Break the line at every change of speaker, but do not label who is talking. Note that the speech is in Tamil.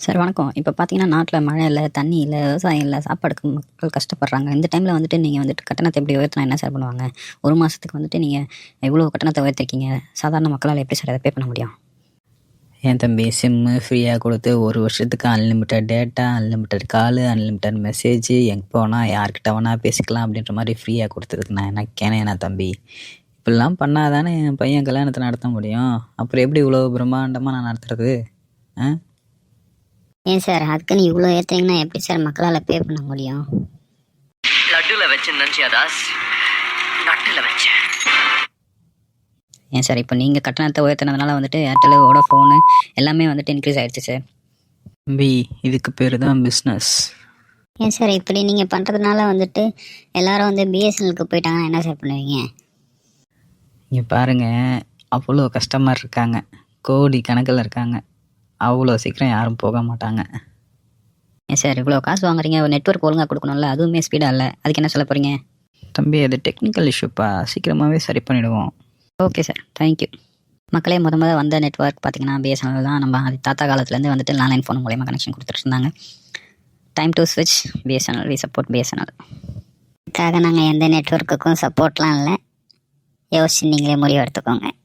சார் வணக்கம். இப்போ பார்த்தீங்கன்னா நாட்டில் மழை இல்லை, தண்ணி இல்லை, விவசாயம் இல்லை, சாப்பாடுக்கு மக்கள் கஷ்டப்படுறாங்க. இந்த டைமில் வந்துட்டு நீங்கள் வந்துட்டு கட்டணத்தை எப்படி உயர்த்தினா என்ன சார் பண்ணுவாங்க? ஒரு மாதத்துக்கு வந்துட்டு நீங்கள் இவ்வளோ கட்டணத்தை உயர்த்திருக்கீங்க. சாதாரண மக்களால் எப்படி சார் அதை பே பண்ண முடியும்?
என் தம்பி சிம்மு ஃப்ரீயாக கொடுத்து ஒரு வருஷத்துக்கு unlimited data, unlimited call, unlimited message, எங்கே போனால் யார்கிட்ட வேணால் பேசிக்கலாம் அப்படின்ற மாதிரி ஃப்ரீயாக கொடுத்ததுக்கு நான் என்ன கேனேண்ணா தம்பி? இப்படிலாம் பண்ணாதானே என் பையன் கல்யாணத்தை நடத்த முடியும். அப்புறம் எப்படி இவ்வளோ பிரம்மாண்டமாக நான் நடத்துறது?
ஏன் சார் அதுக்குன்னு இவ்வளோ ஏற்றுறீங்கன்னா எப்படி சார் மக்களால் பே பண்ண முடியும்?
லட்டுல வச்சேன் நினச்சியா தாஸ், நட்டுல வச்சேன்.
ஏன் சார் இப்போ நீங்கள் கட்டணத்தை உயர்த்தினதுனால வந்துட்டு ஏர்டெல், வோடாஃபோனு எல்லாமே வந்துட்டு இன்க்ரீஸ் ஆகிடுச்சு சார்.
தம்பி இதுக்கு பேர் தான் பிஸ்னஸ்.
ஏன் சார் இப்படி நீங்கள் பண்ணுறதுனால வந்துட்டு எல்லாரும் வந்து பிஎஸ்என்எலுக்கு போயிட்டாங்கன்னா என்ன சார் பண்ணுவீங்க?
இங்கே பாருங்கள், அவ்வளோ கஸ்டமர் இருக்காங்க, கோடி கணக்கில் இருக்காங்க. அவ்வளோ சீக்கிரம் யாரும் போக மாட்டாங்க.
ஏன் சார் இவ்வளோ காசு வாங்குறீங்க, ஒரு நெட்வொர்க் ஒழுங்காக கொடுக்கணும்ல, அதுவுமே ஸ்பீடாக இல்லை, அதுக்கு என்ன சொல்ல போகிறீங்க?
தம்பி அது டெக்னிக்கல் இஷ்யூப்பா, சீக்கிரமாகவே சரி பண்ணிவிடுவோம்.
Okay sir, thank you. மக்களே முத வந்த நெட்வொர்க் பார்த்தீங்கன்னா பிஎஸ்என்எல் தான். நம்ம அது தாத்தா காலத்துலேருந்து வந்துட்டு லேண்ட்லைன் ஃபோன் மூலயமா கனெக்ஷன் கொடுத்துட்டு இருந்தாங்க. டைம் டு ஸ்விட்ச் பிஎஸ்என்எல். We support BSNL.
இதுக்காக நாங்கள் எந்த நெட்வொர்க்குக்கும் சப்போர்ட்லாம் இல்லை, யோசிச்சு நீங்களே முடிவு எடுத்துக்கோங்க.